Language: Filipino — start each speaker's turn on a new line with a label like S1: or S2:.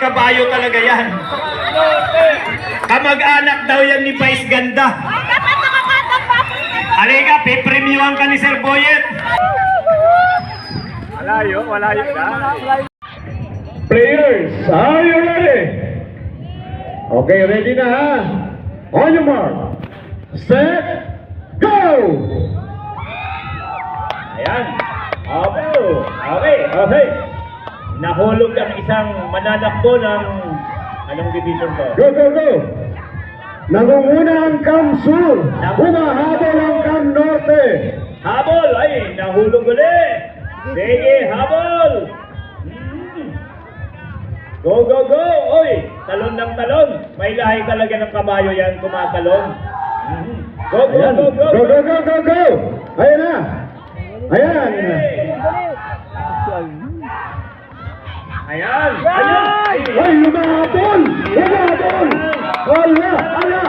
S1: kabayo talaga yan. Kamag-anak daw yan ni Vice Ganda. Halika, pipremiuhan ka ni Sir Boyet.
S2: Malayo na.
S3: Players, are you ready? Okay, ready na ha? On your mark, set, go!
S2: Ayan. Okay. Nahulog ang isang mananakbo ng anong division to?
S3: Go, go, go! Nangunguna ang Cam Sur, humahabol ang Cam Norte.
S2: Habol! Ay, nahulog ulit! Sige, habol! Go, go, go! Oy, talon ng talon. May lahi talaga ng kabayo yan, kumatalon. Go, go,
S3: Ayan.
S2: go, go!
S3: Go, go, go, go, go! Ayan na! Ayan!
S2: Ayan!
S3: Ay, humahabol! Humahabol! Wala!